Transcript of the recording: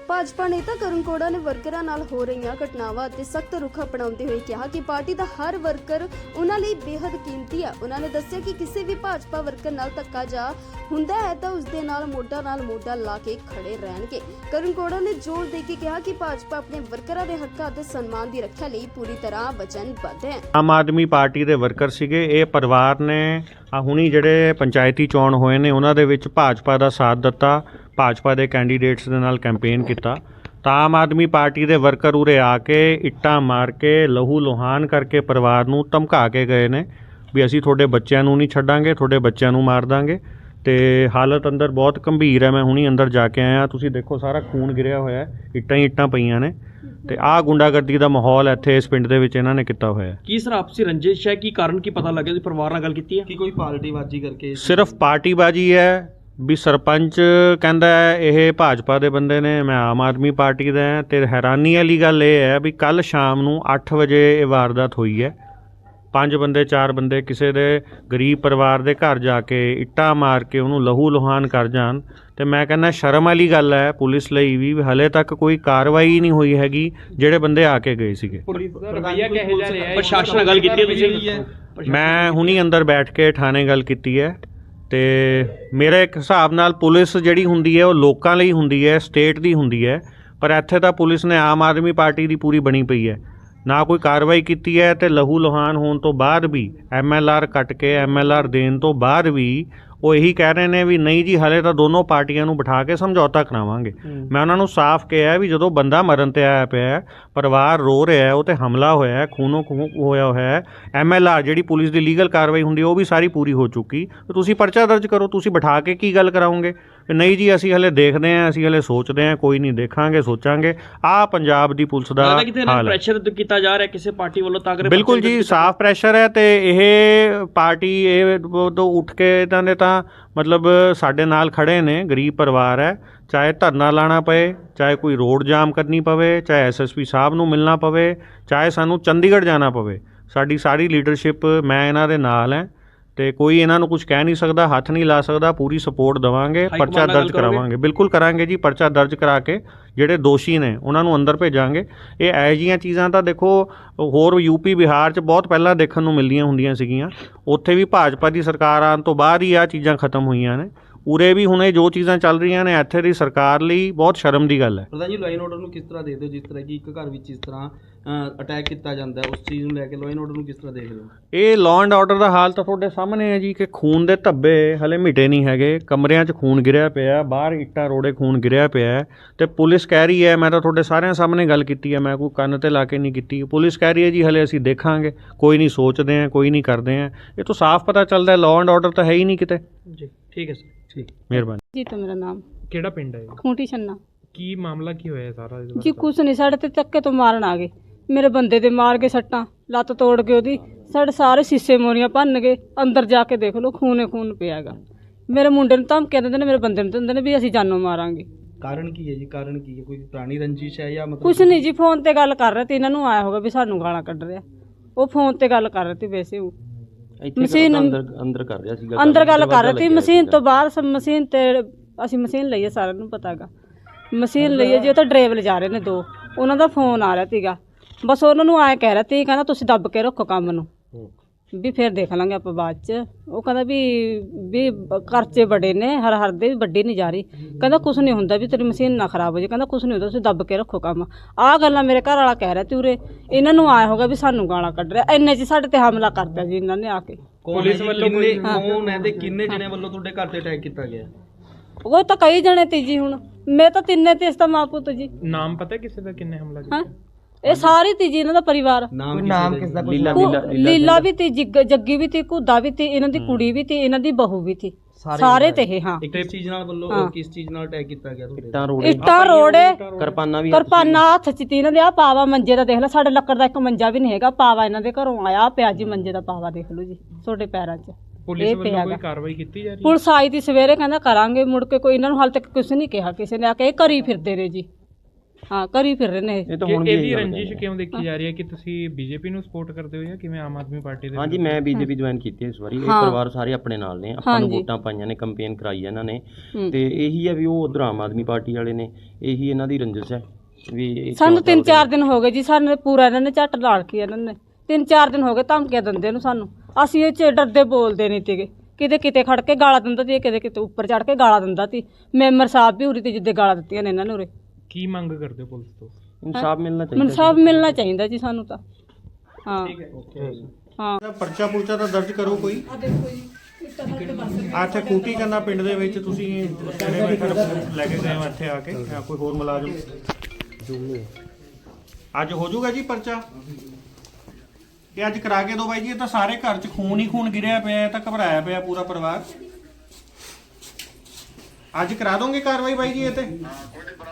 ਭਾਜਪਾ ਨੇਤਾ ਕਰਨ ਕੋੜਾ ਨੇ ਵਰਕਰਾਂ ਨਾਲ ਹੋ ਰਹੀਆਂ ਘਟਨਾਵਾਂ ਅਤੇ ਸਖਤ ਰੁਖ ਅਪਣਾਉਂਦੇ ਹੋਏ ਕਿਹਾ ਕਿ ਪਾਰਟੀ ਦਾ ਹਰ ਵਰਕਰ ਉਹਨਾਂ ਲਈ ਬੇहद ਕੀਮਤੀ ਹੈ। ਉਹਨਾਂ ਨੇ ਦੱਸਿਆ ਕਿ ਕਿਸੇ ਵੀ ਭਾਜਪਾ ਵਰਕਰ ਨਾਲ ਧੱਕਾ ਜਾ ਹੁੰਦਾ ਹੈ ਤਾਂ ਉਸ ਦੇ ਨਾਲ ਮੋਢਾ ਲਾ ਕੇ ਖੜੇ ਰਹਿਣਗੇ। ਕਰਨ ਕੋੜਾ ਨੇ ਜ਼ੋਰ ਦੇ ਕੇ ਕਿਹਾ ਕਿ ਭਾਜਪਾ ਆਪਣੇ ਵਰਕਰਾਂ ਦੇ ਹੱਕਾਂ ਅਤੇ ਸਨਮਾਨ ਦੀ ਰੱਖਿਆ ਲਈ ਪੂਰੀ ਤਰ੍ਹਾਂ ਵਚਨਬੱਧ ਹੈ। ਆਮ ਆਦਮੀ ਪਾਰਟੀ ਦੇ ਵਰਕਰ ਸੀਗੇ, ਇਹ ਪਰਿਵਾਰ ਨੇ ਹੁਣੀ ਜਿਹੜੇ ਪੰਚਾਇਤੀ ਚੋਣ ਹੋਏ ਨੇ ਉਹਨਾਂ ਦੇ ਵਿੱਚ ਭਾਜਪਾ ਦਾ ਸਾਥ ਦਿੱਤਾ, ਭਾਜਪਾ ਦੇ ਕੈਂਡੀਡੇਟਸ ਦੇ ਨਾਲ ਕੈਂਪੇਨ ਕੀਤਾ। ਤਾਂ ਆਮ ਆਦਮੀ ਪਾਰਟੀ ਦੇ ਵਰਕਰ ਉਰੇ ਆ ਕੇ ਇੱਟਾਂ ਮਾਰ ਕੇ ਲਹੂ ਲੁਹਾਨ ਕਰਕੇ ਪਰਿਵਾਰ ਨੂੰ ਧਮਕਾ ਕੇ ਗਏ ਨੇ ਵੀ ਅਸੀਂ ਤੁਹਾਡੇ ਬੱਚਿਆਂ ਨੂੰ ਨਹੀਂ ਛੱਡਾਂਗੇ, ਤੁਹਾਡੇ ਬੱਚਿਆਂ ਨੂੰ ਮਾਰ ਦਾਂਗੇ। ਤੇ ਹਾਲਤ ਅੰਦਰ ਬਹੁਤ ਗੰਭੀਰ ਹੈ। ਮੈਂ ਹੁਣੀ ਅੰਦਰ ਜਾ ਕੇ ਆਇਆ, ਤੁਸੀਂ ਦੇਖੋ ਸਾਰਾ ਖੂਨ ਗਿਰਿਆ ਹੋਇਆ ਹੈ, ਇੱਟਾਂ ਹੀ ਇੱਟਾਂ ਪਈਆਂ ਨੇ। ਤੇ ਆਹ ਗੁੰਡਾਗਰਦੀ ਦਾ ਮਾਹੌਲ ਇੱਥੇ ਇਸ ਪਿੰਡ ਦੇ ਵਿੱਚ ਇਹਨਾਂ ਨੇ ਕੀਤਾ ਹੋਇਆ ਹੈ। ਕੀ ਸਰ ਆਪਸੀ ਰੰਜਿਸ਼ ਹੈ? ਕੀ ਕਾਰਨ ਕੀ ਪਤਾ ਲੱਗਿਆ? ਤੁਸੀਂ ਪਰਿਵਾਰ ਨਾਲ ਗੱਲ ਕੀਤੀ ਹੈ ਕਿ ਕੋਈ ਪਾਰਟੀਬਾਜ਼ੀ ਕਰਕੇ? ਸਿਰਫ ਪਾਰਟੀਬਾਜ਼ੀ ਹੈ ਵੀ ਸਰਪੰਚ ਕਹਿੰਦਾ ਹੈ ਇਹ ਭਾਜਪਾ ਦੇ ਬੰਦੇ ਨੇ, ਮੈਂ ਆਮ ਆਦਮੀ ਪਾਰਟੀ ਦਾ ਹਾਂ। ਤੇ ਹੈਰਾਨੀ ਵਾਲੀ ਗੱਲ ਇਹ ਹੈ ਵੀ ਕੱਲ੍ਹ ਸ਼ਾਮ ਨੂੰ 8 ਵਜੇ ਇਹ ਵਾਰਦਾਤ ਹੋਈ ਹੈ। 5 ਬੰਦੇ 4 ਬੰਦੇ ਕਿਸੇ ਦੇ ਗਰੀਬ ਪਰਿਵਾਰ ਦੇ ਘਰ ਜਾ ਕੇ ਇੱਟਾਂ ਮਾਰ ਕੇ ਉਹਨੂੰ ਲਹੂ ਲੁਹਾਨ ਕਰ ਜਾਣ। ਤੇ ਮੈਂ ਕਹਿੰਦਾ ਸ਼ਰਮ ਵਾਲੀ ਗੱਲ ਹੈ ਪੁਲਿਸ ਲਈ ਵੀ ਹਲੇ ਤੱਕ ਕੋਈ ਕਾਰਵਾਈ ਨਹੀਂ ਹੋਈ ਹੈਗੀ ਜਿਹੜੇ ਬੰਦੇ ਆ ਕੇ ਗਏ ਸੀਗੇ। ਪ੍ਰਸ਼ਾਸਨ ਨਾਲ ਗੱਲ ਕੀਤੀ ਹੈ ਤੁਸੀਂ? ਮੈਂ ਹੁਣੀ ਅੰਦਰ ਬੈਠ ਕੇ ਥਾਣੇ ਗੱਲ ਕੀਤੀ ਹੈ। ਤੇ ਮੇਰੇ ਇੱਕ ਹਿਸਾਬ ਨਾਲ ਪੁਲਿਸ ਜਿਹੜੀ ਹੁੰਦੀ ਹੈ ਉਹ ਲੋਕਾਂ ਲਈ ਹੁੰਦੀ ਹੈ, ਸਟੇਟ ਦੀ ਹੁੰਦੀ ਹੈ। ਪਰ ਇੱਥੇ ਤਾਂ ਪੁਲਿਸ ਨੇ ਆਮ ਆਦਮੀ ਪਾਰਟੀ ਦੀ ਪੂਰੀ ਬਣੀ ਪਈ ਹੈ, ਨਾ ਕੋਈ ਕਾਰਵਾਈ ਕੀਤੀ ਹੈ। ਤੇ ਲਹੂ ਲੁਹਾਨ ਹੋਣ ਤੋਂ ਬਾਅਦ ਵੀ MLR ਕੱਟ ਕੇ MLR ਦੇਣ ਤੋਂ ਬਾਅਦ ਵੀ ਉਹ ਇਹੀ ਕਹਿ ਰਹੇ ਨੇ ਵੀ ਨਹੀਂ ਜੀ ਹਲੇ ਤਾਂ ਦੋਨੋਂ ਪਾਰਟੀਆਂ ਨੂੰ ਬਿਠਾ ਕੇ ਸਮਝੌਤਾ ਕਰਾਵਾਂਗੇ। ਮੈਂ ਉਹਨਾਂ ਨੂੰ ਸਾਫ਼ ਕਿਹਾ ਵੀ ਜਦੋਂ ਬੰਦਾ ਮਰਨ ਤੇ ਆਇਆ ਪਿਆ, ਪਰਿਵਾਰ ਰੋ ਰਿਹਾ, ਉਹ ਤੇ ਹਮਲਾ ਹੋਇਆ, ਖੂਨੋ ਖੂਨ ਹੋਇਆ ਹੋਇਆ, MLR ਜਿਹੜੀ ਪੁਲਿਸ ਦੀ ਲੀਗਲ ਕਾਰਵਾਈ ਹੁੰਦੀ ਉਹ ਵੀ ਸਾਰੀ ਪੂਰੀ ਹੋ ਚੁੱਕੀ। ਤੁਸੀਂ ਪਰਚਾ ਦਰਜ ਕਰੋ, ਤੁਸੀਂ ਬਿਠਾ ਕੇ ਕੀ ਗੱਲ ਕਰਾਓਗੇ? ਨਹੀਂ ਜੀ ਅਸੀਂ ਹਲੇ ਦੇਖਦੇ ਹਾਂ, ਅਸੀਂ ਹਲੇ ਸੋਚਦੇ ਹਾਂ, ਕੋਈ ਨਹੀਂ, ਦੇਖਾਂਗੇ, ਸੋਚਾਂਗੇ। ਆਹ ਪੰਜਾਬ ਦੀ ਪੁਲਿਸ ਦਾ ਹਾਲ ਹੈ। ਪ੍ਰੈਸ਼ਰ ਕੀਤਾ ਜਾ ਰਿਹਾ ਕਿਸੇ ਪਾਰਟੀ ਵੱਲੋਂ ਤਾਂ ਕਿ? ਬਿਲਕੁਲ ਜੀ, ਸਾਫ਼ ਪ੍ਰੈਸ਼ਰ ਹੈ। ਤੇ ਇਹ ਪਾਰਟੀ ਇਹ ਤੋਂ ਉੱਠ ਕੇ ਇਹਨਾਂ ਨੇ ਤਾਂ ਮਤਲਬ ਸਾਡੇ ਨਾਲ ਖੜੇ ਨੇ, ਗਰੀਬ ਪਰਿਵਾਰ ਹੈ। ਚਾਹੇ ਧਰਨਾ ਲਾਣਾ ਪਏ, ਚਾਹੇ ਕੋਈ ਰੋਡ ਜਾਮ ਕਰਨੀ ਪਵੇ, ਚਾਹੇ SSP ਸਾਹਿਬ ਨੂੰ ਮਿਲਣਾ ਪਵੇ, ਚਾਹੇ ਸਾਨੂੰ ਚੰਡੀਗੜ੍ਹ ਜਾਣਾ ਪਵੇ, ਸਾਡੀ ਸਾਰੀ ਲੀਡਰਸ਼ਿਪ ਮੈਂ ਇਹਨਾਂ ਦੇ ਨਾਲ ਹੈ। ਤੇ ਕੋਈ ਇਹਨਾਂ ਨੂੰ ਕੁਝ ਕਹਿ ਨਹੀਂ ਸਕਦਾ, ਹੱਥ ਨਹੀਂ ਲਾ ਸਕਦਾ। ਪੂਰੀ ਸਪੋਰਟ ਦੇਵਾਂਗੇ, ਪਰਚਾ ਦਰਜ ਕਰਾਵਾਂਗੇ। ਬਿਲਕੁਲ ਕਰਾਂਗੇ ਜੀ, ਪਰਚਾ ਦਰਜ ਕਰਾ ਕੇ ਜਿਹੜੇ ਦੋਸ਼ੀ ਨੇ ਉਹਨਾਂ ਨੂੰ ਅੰਦਰ ਭੇਜਾਂਗੇ। ਇਹ ਇਹੋ ਜਿਹੀਆਂ ਚੀਜ਼ਾਂ ਤਾਂ ਦੇਖੋ ਹੋਰ UP ਬਿਹਾਰ 'ਚ ਬਹੁਤ ਪਹਿਲਾਂ ਦੇਖਣ ਨੂੰ ਮਿਲਦੀਆਂ ਹੁੰਦੀਆਂ ਸੀਗੀਆਂ। ਉੱਥੇ ਵੀ ਭਾਜਪਾ ਦੀ ਸਰਕਾਰ ਆਉਣ ਤੋਂ ਬਾਅਦ ਹੀ ਆਹ ਚੀਜ਼ਾਂ ਖਤਮ ਹੋਈਆਂ ਨੇ। ਉਰੇ ਵੀ ਹੁਣ ਇਹ ਜੋ ਚੀਜ਼ਾਂ ਚੱਲ ਰਹੀਆਂ ਨੇ ਇੱਥੇ ਦੀ ਸਰਕਾਰ ਲਈ ਬਹੁਤ ਸ਼ਰਮ ਦੀ ਗੱਲ ਹੈ। ਪ੍ਰਧਾਨ ਜੀ, ਲਾਅ ਐਂਡ ਆਰਡਰ ਨੂੰ ਕਿਸ ਤਰ੍ਹਾਂ ਦੇਖਦੇ ਹੋ? ਜਿਸ ਤਰ੍ਹਾਂ ਕਿ ਇੱਕ ਘਰ ਵਿੱਚ ਇਸ ਤਰ੍ਹਾਂ ਅਟੈਕ ਕੀਤਾ ਜਾਂਦਾ ਹੈ, ਉਸ ਚੀਜ਼ ਨੂੰ ਲੈ ਕੇ ਲਾਅ ਐਂਡ ਆਰਡਰ ਨੂੰ ਕਿਸ ਤਰ੍ਹਾਂ ਦੇਖਦੇ ਹੋ? ਇਹ ਲਾਅ ਐਂਡ ਆਰਡਰ ਦਾ ਹਾਲ ਤਾਂ ਤੁਹਾਡੇ ਸਾਹਮਣੇ ਹੈ ਜੀ ਕਿ ਖੂਨ ਦੇ ਧੱਬੇ ਹਲੇ ਮਿਟੇ ਨਹੀਂ ਹੈਗੇ, ਕਮਰਿਆਂ 'ਚ ਖੂਨ ਗਿਰਿਆ ਪਿਆ, ਬਾਹਰ ਇੱਟਾਂ ਰੋੜੇ ਖੂਨ ਗਿਰਿਆ ਪਿਆ। ਤੇ ਪੁਲਿਸ ਕਹਿ ਰਹੀ ਹੈ, ਮੈਂ ਤਾਂ ਤੁਹਾਡੇ ਸਾਰਿਆਂ ਸਾਹਮਣੇ ਗੱਲ ਕੀਤੀ ਹੈ, ਮੈਂ ਕੋਈ ਕੰਨ ਤੇ ਲਾ ਕੇ ਨਹੀਂ ਕੀਤੀ। ਪੁਲਿਸ ਕਹਿ ਰਹੀ ਹੈ ਜੀ ਹਲੇ ਅਸੀਂ ਦੇਖਾਂਗੇ, ਕੋਈ ਨਹੀਂ, ਸੋਚਦੇ ਹਾਂ, ਕੋਈ ਨਹੀਂ, ਕਰਦੇ ਹਾਂ। ਇਹ ਤੋਂ ਸਾਫ਼ ਪਤਾ ਚੱਲਦਾ ਲਾਅ ਐਂਡ ਆਰਡਰ ਤਾਂ ਹੈ ਹੀ ਨਹੀਂ ਕਿਤੇ ਜੀ। ਠੀਕ ਹੈ ਸਰ, ਠੀਕ, ਮਿਹਰਬਾਨੀ ਜੀ। ਤਾਂ ਮੇਰਾ ਨਾਮ ਕਿਹੜਾ ਪਿੰਡ ਹੈ? ਖੂੰਟੀ ਛੰਨਾ। ਕੀ ਮਾਮਲਾ ਕੀ ਹੋਇਆ ਸਾਰਾ? ਜੀ ਕੁਛ ਨਹੀਂ, ਸਾਡੇ ਤੇ ਧੱਕੇ ਤੋਂ ਮਾਰਨ ਆ ਗਏ। ਮੇਰੇ ਬੰਦੇ ਦੇ ਮਾਰ ਕੇ ਸੱਟਾਂ, ਲੱਤ ਤੋੜ ਕੇ ਉਹਦੀ, ਸਾਡੇ ਸਾਰੇ ਸੀਸੇ ਮੋਰੀਆਂ ਭੰਨ ਗਏ। ਅੰਦਰ ਜਾ ਕੇ ਦੇਖ ਲਓ, ਖੂਨੇ ਖੂਨ ਪਿਆ ਗਾ। ਮੇਰੇ ਮੁੰਡੇ ਨੂੰ ਧਮਕੀਆਂ ਦਿੰਦੇ ਨੇ, ਮੇਰੇ ਬੰਦੇ ਨੂੰ ਦਿੰਦੇ ਨੇ ਵੀ ਅਸੀਂ ਜਾਨੋਂ ਮਾਰਾਂਗੇ। ਕਾਰਨ ਕੀ ਹੈ ਜੀ? ਕਾਰਨ ਕੀ ਹੈ? ਕੋਈ ਪੁਰਾਣੀ ਰੰਜਿਸ਼ ਹੈ ਜਾਂ ਮਤਲਬ ਕੁਛ ਨਹੀਂ ਜੀ, ਫੋਨ ਤੇ ਗੱਲ ਕਰ ਰਹੇ ਤੇ ਇਹਨਾਂ ਨੂੰ ਆਇਆ ਹੋਗਾ ਵੀ ਸਾਨੂੰ ਗਾਲਾਂ ਕੱਢ ਰਿਹਾ। ਉਹ ਫੋਨ ਤੇ ਗੱਲ ਕਰ ਰਹੇ ਤੇ ਵੈਸੇ ਉਹ ਮਸ਼ੀਨ ਅੰਦਰ ਕਰ ਰਿਹਾ ਸੀਗਾ, ਅੰਦਰ ਗੱਲ ਕਰ ਰਹੇ ਤੇ ਮਸ਼ੀਨ ਤੋਂ ਬਾਹਰ ਮਸ਼ੀਨ ਤੇ ਅਸੀਂ ਮਸ਼ੀਨ ਲਈਏ, ਸਾਰਿਆਂ ਨੂੰ ਪਤਾ ਗਾ ਮਸ਼ੀਨ ਲਈਏ ਜੀ। ਉਹ ਤਾਂ ਡਰਾਈਵਰ ਲਿਜਾ ਰਹੇ ਨੇ 2, ਉਹਨਾਂ ਦਾ ਫੋਨ ਆ ਰਿਹਾ ਸੀਗਾ। ਬਸ ਉਹਨਾਂ ਨੂੰ ਆਏ ਕਹਿ ਰਿਹਾ ਤੀ, ਕਹਿੰਦਾ ਤੁਸੀਂ ਦੱਬ ਕੇ ਰੱਖੋ ਕੰਮ ਨੂੰ, ਵੀ ਫਿਰ ਦੇਖ ਲਾਂਗੇ ਆਪਾਂ ਬਾਅਦ 'ਚ। ਉਹ ਕਹਿੰਦਾ ਵੀ ਖਰਚੇ ਬੜੇ ਨੇ, ਹਰ ਦੇ ਵੀ ਵੱਡੀ ਨਹੀਂ ਜਾ ਰਹੀ। ਕਹਿੰਦਾ ਕੁਛ ਨਹੀਂ ਹੁੰਦਾ, ਵੀ ਤੇਰੀ ਮਸ਼ੀਨ ਨਾ ਖਰਾਬ ਹੋ ਜਾਏ। ਕਹਿੰਦਾ ਕੁਛ ਨਹੀਂ ਹੁੰਦਾ, ਤੁਸੀਂ ਦੱਬ ਕੇ ਰੱਖੋ ਕੰਮ। ਆਹ ਗੱਲਾਂ ਮੇਰੇ ਘਰ ਵਾਲਾ ਕਹਿ ਰਿਹਾ ਤੀ ਉਰੇ। ਇਹਨਾਂ ਨੂੰ ਆਇਆ ਹੋਗਾ ਵੀ ਸਾਨੂੰ ਗਾਲਾਂ ਕੱਢ ਰਿਹਾ। ਇੰਨੇ 'ਚ ਸਾਡੇ ਤੇ ਹਮਲਾ ਕਰਤਾ ਜੀ ਇਹਨਾਂ ਨੇ ਆ ਕੇ। ਪੁਲਿਸ ਵੱਲੋਂ ਕੌਣ ਹੈ ਤੇ ਕਿੰਨੇ ਜਣੇ ਵੱਲੋਂ ਤੁਹਾਡੇ ਘਰ ਤੇ ਅਟੈਕ ਕੀਤਾ ਗਿਆ? ਉਹ ਤਾਂ ਕਈ ਜਣੇ ਤੀ ਜੀ। ਹੁਣ ਮੈਂ ਤਾਂ ਤਿੰਨੇ ਤੇ ਇਸ ਦਾ ਮਾਂ ਪੁੱਤ ਜੀ। ਨਾਮ ਪਤਾ ਕਿਸੇ ਦਾ? ਕਿੰਨੇ ਹਮਲਾ ਕੀਤਾ? ਇਹ ਸਾਰੀ ਤੀ ਜੀ ਇਹਨਾਂ ਦਾ ਪਰਿਵਾਰ। ਨਾਮ ਕਿਸ ਦਾ? ਲੀਲਾ ਵੀ ਤੀ, ਜੱਗੀ ਵੀ ਤੀ, ਘੁੱਦਾ ਵੀ ਤੀ, ਇਹਨਾਂ ਦੀ ਕੁੜੀ ਵੀ ਤੀ, ਇਹਨਾਂ ਦੀ ਬਹੂ ਵੀ ਤੀ, ਸਾਰੇ ਤੇ ਇਹ। ਹਾਂ, ਕਿਸ ਚੀਜ਼ ਨਾਲ ਵੱਲੋਂ ਕਿਸ ਚੀਜ਼ ਨਾਲ ਅਟੈਕ ਕੀਤਾ ਗਿਆ ਤੁਹਾਡੇ? ਇੱਟਾਂ ਰੋੜੇ ਕਿਰਪਾਨਾਂ ਹੱਥ 'ਚ ਤੀ ਇਹਨਾਂ ਦੇ। ਆ ਪਾਵਾ ਮੰਜੇ ਦਾ ਦੇਖ ਲੈ, ਸਾਡੇ ਲੱਕੜ ਦਾ ਇੱਕ ਮੰਜਾ ਵੀ ਨਹੀਂ ਹੈਗਾ। ਪਾਵਾ ਇਹਨਾਂ ਦੇ ਘਰੋਂ ਆਇਆ ਪਿਆ ਜੀ, ਮੰਜੇ ਦਾ ਪਾਵਾ ਦੇਖ ਲਓ ਜੀ, ਤੁਹਾਡੇ ਪੈਰਾਂ 'ਚ। ਪੁਲਿਸ ਵੱਲੋਂ ਕੋਈ ਕਾਰਵਾਈ ਕੀਤੀ ਜਾ ਰਹੀ ਹੈ? ਪੁਲਿਸ ਆਈ ਤੀ ਸਵੇਰੇ, ਕਹਿੰਦਾ ਕਰਾਂਗੇ। ਮੁੜ ਕੇ ਕੋਈ ਇਹਨਾਂ ਨੂੰ ਹਾਲ ਤੱਕ ਕੁਝ ਨਹੀਂ ਕਿਹਾ ਕਿਸੇ ਨੇ। ਆ ਕੇ ਇਹ ਕਰੀ ਫਿਰਦੇ ਨੇ ਜੀ। ਹਾਂ ਕਰੀ ਫਿਰ ਰਹੇ ਨੇ ਇਹ। ਇਹ ਤਾਂ ਹੁਣ ਵੀ ਇਹਦੀ ਇਹੀ ਗੱਲ ਰੰਜਿਸ਼ ਕਹਿੰਦੇ। ਕਿਉਂ ਦੇਖੀ ਜਾ ਰਹੀ ਹੈ ਕਿ ਤੁਸੀਂ ਬੀਜੇਪੀ ਨੂੰ ਸਪੋਰਟ ਕਰਦੇ ਹੋ ਜਾਂ ਕਿਵੇਂ ਆਮ ਆਦਮੀ ਪਾਰਟੀ ਦੇ? ਹਾਂਜੀ ਮੈਂ ਬੀਜੇਪੀ ਜੁਆਇਨ ਕੀਤੀ ਹੈ ਇਸ ਵਾਰੀ। ਇਹ ਹਾਂ। ਪਰਿਵਾਰ ਸਾਰੇ ਆਪਣੇ ਨਾਲ ਨੇ, ਆਪਾਂ ਨੂੰ ਹਾਂਜੀ। ਵੋਟਾਂ ਪਾਈਆਂ ਨੇ, ਕੰਪੇਨ ਕਰਾਈ ਹੈ ਇਹਨਾਂ ਨੇ, ਹੂੰ। ਤੇ ਇਹੀ ਹੈ ਵੀ ਉਹ ਉਧਰ ਆਮ ਆਦਮੀ ਪਾਰਟੀ ਵਾਲੇ ਨੇ, ਇਹੀ ਇਹਨਾਂ ਦੀ ਰੰਜਿਸ਼ ਹੈ ਵੀ ਇਹ ਸਾਨੂੰ ਕਿਉਂ 3-4 ਦਿਨ ਹੋ ਗਏ ਜੀ, ਸਾਨੂੰ ਪੂਰਾ ਇਹਨਾਂ ਨੇ ਝੱਟ ਲਾ ਰੱਖੀ ਇਹਨਾਂ ਨੇ। 3-4 ਦਿਨ ਹੋ ਗਏ ਧਮਕੀਆਂ ਦਿੰਦੇ ਨੂੰ ਸਾਨੂੰ। ਅਸੀਂ ਇਹ 'ਚ ਡਰਦੇ ਬੋਲਦੇ ਨਹੀਂ ਸੀਗੇ। ਕਿਤੇ ਖੜ ਕੇ ਗਾਲਾਂ ਦਿੰਦਾ ਸੀ, ਕਿਤੇ ਉੱਪਰ ਚੜ ਕੇ ਗਾਲਾਂ ਦਿੰਦਾ ਸੀ। ਮੈਂਬਰ ਸਾਹਿਬ ਵੀ ਉਰੀ ਤੇ ਜਿੱਦੇ ਗਾਲਾਂ ਦਿੱਤੀਆਂ ਨੇ ਇਹਨਾਂ ਨੇ ਉਰੇ। ਕੀ ਮੰਗ ਕਰਦੇ ਹੋ ਪੁਲਿਸ ਤੋਂ? ਇਨਸਾਫ ਮਿਲਣਾ ਚਾਹੀਦਾ। ਇਨਸਾਫ ਮਿਲਣਾ ਚਾਹੀਦਾ ਜੀ ਸਾਨੂੰ ਤਾਂ। ਹਾਂ ਹਾਂ ਪਰਚਾ ਪੁਰਚਾ ਤਾਂ ਦਰਜ ਕਰੋ ਕੋਈ। ਇੱਥੇ ਕੂਟੀ ਕੰਨਾ ਪਿੰਡ ਦੇ ਵਿੱਚ ਤੁਸੀਂ ਲੈ ਕੇ ਗਏ ਹੋ ਇੱਥੇ ਆ ਕੇ, ਜਾਂ ਕੋਈ ਹੋਰ ਮੁਲਾਜ਼ਮ? ਅੱਜ ਹੋ ਜਾਊਗਾ ਜੀ ਪਰਚਾ? ਇਹ ਅੱਜ ਕਰਾ ਕੇ ਦਿਓ ਬਾਈ ਜੀ। ਇਹ ਤਾਂ ਸਾਰੇ ਘਰ 'ਚ ਖੂਨ ਹੀ ਖੂਨ ਗਿਰਿਆ ਪਿਆ ਹੈ, ਤਾਂ ਘਬਰਾਇਆ ਪਿਆ ਪੂਰਾ ਪਰਿਵਾਰ। ਅੱਜ ਕਰਾ ਦੋਗੇ ਕਾਰਵਾਈ ਬਾਈ ਜੀ ਇਹ ਤੇ?